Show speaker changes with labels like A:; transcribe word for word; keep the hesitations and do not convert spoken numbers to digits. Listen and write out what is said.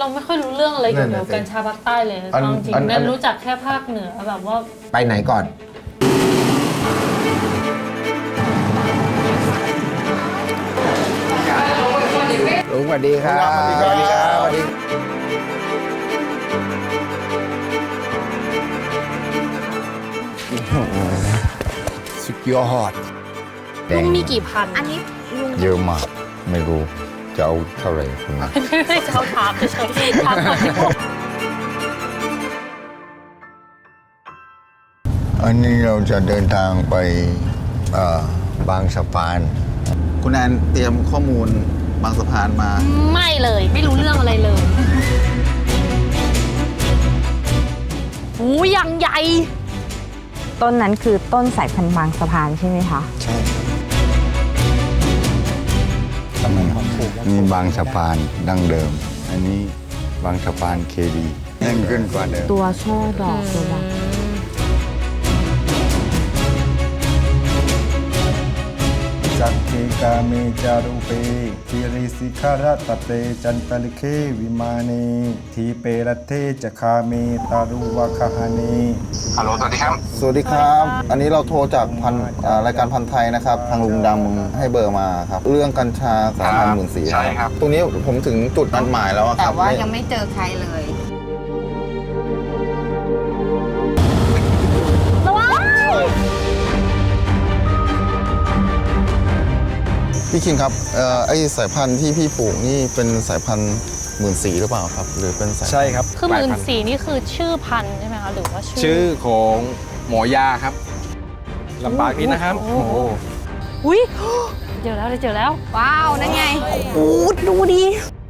A: เราไม่ค่อยรู้เรื่องอะไรเกี่ยวกับกัญชาภาคใต้เลยจริงๆแนนรู้จักแค่ภาคเหนือแบบว่า
B: ไปไหนก่อนลุงสวัสดีครับสวัสดีครับสวัสดีสุดยอด
A: ลุงมีกี่พัน
C: อันนี้ลุง
D: เยอะมากไม่รู้จะเอาเท่าไหร่คุณนะ
A: ไม่ได้เช้าถามเฉยๆถามก่อนที่ผม
D: อันนี้เราจะเดินทางไปบางสะพาน
E: คุณแอนเตรียมข้อมูลบางสะพานมา
A: ไม่เลยไม่รู้เรื่องอะไรเลยหูยังใหญ่
C: ต้นนั้นคือต้นสายพันธุ์บางสะพานใช่ไหมคะ
D: ใช่ทำไมนี่บางสะพานดั้งเดิมอันนี้บางสะพานเคดีแน่นขึ้นกว่าเดิม
C: ตัวช่อดอกตัวบาง
F: จักเกกาเมจารุเปทิริสิขารตเตจันตลิเควิมานีทีเปรเทจคาเมตารุวะคหานี
E: ฮัลโหลสวัสดีครับสวัสดีครับอันนี้เราโทรจากพันรายการพันไทยนะครับทางลุงดำให้เบอร์มาครับเรื่องกัญชาสามพันหมื่นสี่ใช่ครับตรงนี้ผมถึงจุดนัดหมายแล้วครับ
C: แต่ว่ายังไม่เจอใครเลย
E: พี่คิงครับไอสายพันธุ์ที่พี่ปลูกนี่เป็นสายพันธุ์หมื่นสีหรือเปล่าครับหรือเป็นสาย
G: ใช่ครับ
A: คือหมื่นสีนี่คือชื่อพันธุ์ใช่ไหมคะหรือว่าชื่อ
G: ชื่อของหมอยาครับลำบากนิดนะครับโอ้โห
A: อุ้ยเจอแล้วเจอแล้ว
C: ว้าวนั่นไงโอ้ดูดิ